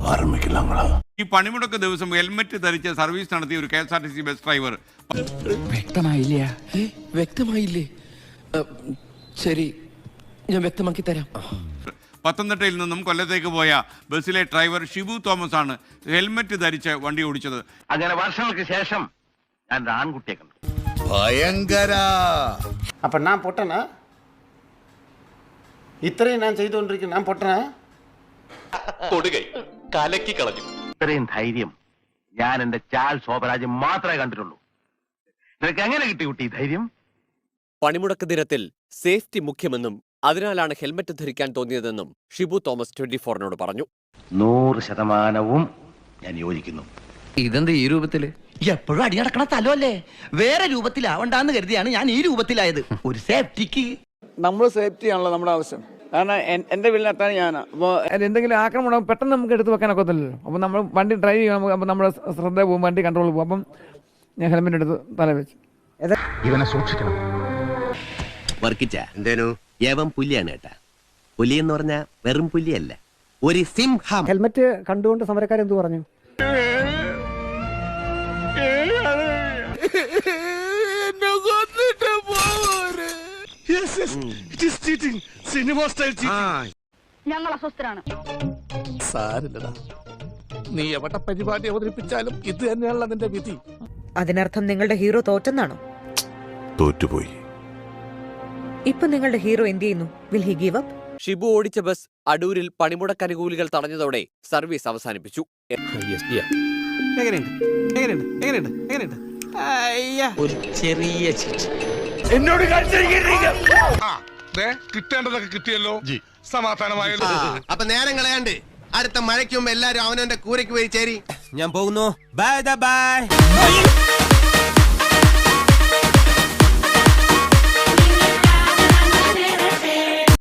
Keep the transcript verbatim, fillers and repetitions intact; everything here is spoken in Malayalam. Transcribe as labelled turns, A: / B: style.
A: ഈ പണിമുടക്ക് ദിവസം ഹെൽമെറ്റ് ധരിച്ച് സർവീസ് നടത്തിയ ഒരു K S R T C bus driver
B: വ്യക്തമായില്ല വ്യക്തമായില്ലേ ശരി ഞാൻ വ്യക്തമാക്കി തരാം.
A: പത്തനംതിട്ടയിൽ നിന്നും കൊല്ലത്തേക്ക് പോയ ബസ്സിലെ ഡ്രൈവർ ഷിബു തോമസ് ആണ് ഹെൽമെറ്റ് ധരിച്ച് വണ്ടി ഓടിച്ചത്.
C: അങ്ങനെ വർഷങ്ങൾക്ക് ശേഷം ഞാൻ ആൺകുട്ടിയെ കണ്ടു.
D: ഭയങ്കര.
E: അപ്പൊ ഞാൻ പൊട്ടനാ? ഇത്രയും ഞാൻ ചെയ്തുകൊണ്ടിരിക്കുന്നു, ഞാൻ പൊട്ടനാ?
F: കൊടുകൈ കലക്കി കളഞ്ഞു.
C: ഇത്രയും ധൈര്യം ഞാൻ എന്റെ ചാൽ ശോഭരാജ് മാത്രമേ കണ്ടിട്ടുള്ളൂ. നിനക്ക് എങ്ങനെ കിട്ടി കുട്ടി ധൈര്യം?
F: പണിമുടക്ക് ദിനത്തിൽ സേഫ്റ്റി മുഖ്യമെന്നും അതിനാലാണ് ഹെൽമറ്റ് ധരിക്കാൻ തോന്നിയതെന്നും ഷിബു തോമസ് ട്വന്റി ഫോറിനോട് പറഞ്ഞു.
C: നൂറ് ശതമാനവും ഞാൻ യോജിക്കുന്നു.
B: ഇതെന്ത് ഈ രൂപത്തില്?
G: എപ്പോഴും അടി നടക്കണ സ്ഥലമല്ലേ, വേറെ രൂപത്തിലാവണ്ടെന്ന് കരുതിയാണ് ഞാൻ ഈ രൂപത്തിലായത്. ഒരു സേഫ്റ്റിക്ക്
H: നമ്മൾ സേഫ്റ്റി ആണല്ലോ നമ്മുടെ ആവശ്യം. കാരണം എന്റെ വീട്ടിലെത്താൻ ഞാനാ. അപ്പോൾ എന്തെങ്കിലും ആക്രമണം പെട്ടെന്ന് നമുക്ക് എടുത്ത് വെക്കാനൊക്കെ ഒത്തില്ലല്ലോ. അപ്പം നമ്മൾ വണ്ടി ഡ്രൈവ് ചെയ്യണം, അപ്പം നമ്മുടെ ശ്രദ്ധ പോകും, വണ്ടി കൺട്രോൾ പോകും. അപ്പം ഞാൻ ഹെൽമെറ്റ് എടുത്ത് തല വെച്ചു.
D: ഇവനെ സൂക്ഷിക്കണം.
I: വർക്കിച്ച എന്തേനു ഏവം പുലിയാണ് കേട്ടാ. പുലി എന്ന് പറഞ്ഞാ വെറും പുലിയല്ല, ഒരു സിംഹം.
H: ഹെൽമെറ്റ് കണ്ടുകൊണ്ട് സമരക്കാരെന്ത് പറഞ്ഞു?
J: ഞങ്ങൾ അസ്വസ്ഥരാണ്.
D: സാരില്ലടാ, നീ എവിടെ പരിപാടി അവതരിപ്പിച്ചാലും ഇത് തന്നെയാണല്ലോ അതിന്റെ വിധി.
J: അതിനർത്ഥം നിങ്ങളുടെ ഹീറോ തോറ്റെന്നാണോ?
D: തോറ്റുപോയി.
J: ഇപ്പൊ നിങ്ങളുടെ ഹീറോ എന്ത് ചെയ്യുന്നു? Will he give up?
F: Shibu ഓടിച്ച ബസ് അടൂരിൽ പണിമുടക്ക് അനുകൂലികൾ തടഞ്ഞതോടെ സർവീസ് അവസാനിപ്പിച്ചു.
G: ഒരു ചെറിയ
D: എന്നോട് കിട്ടേണ്ടതൊക്കെ കിട്ടിയല്ലോ, സമാധാനമായല്ലോ.
I: അപ്പൊ നേരം കളയാണ്ട് അടുത്ത മഴയ്ക്ക് മുമ്പ് എല്ലാരും അവനവന്റെ കൂരയ്ക്ക് പോയി ചേരി. ഞാൻ പോകുന്നു. Bye by.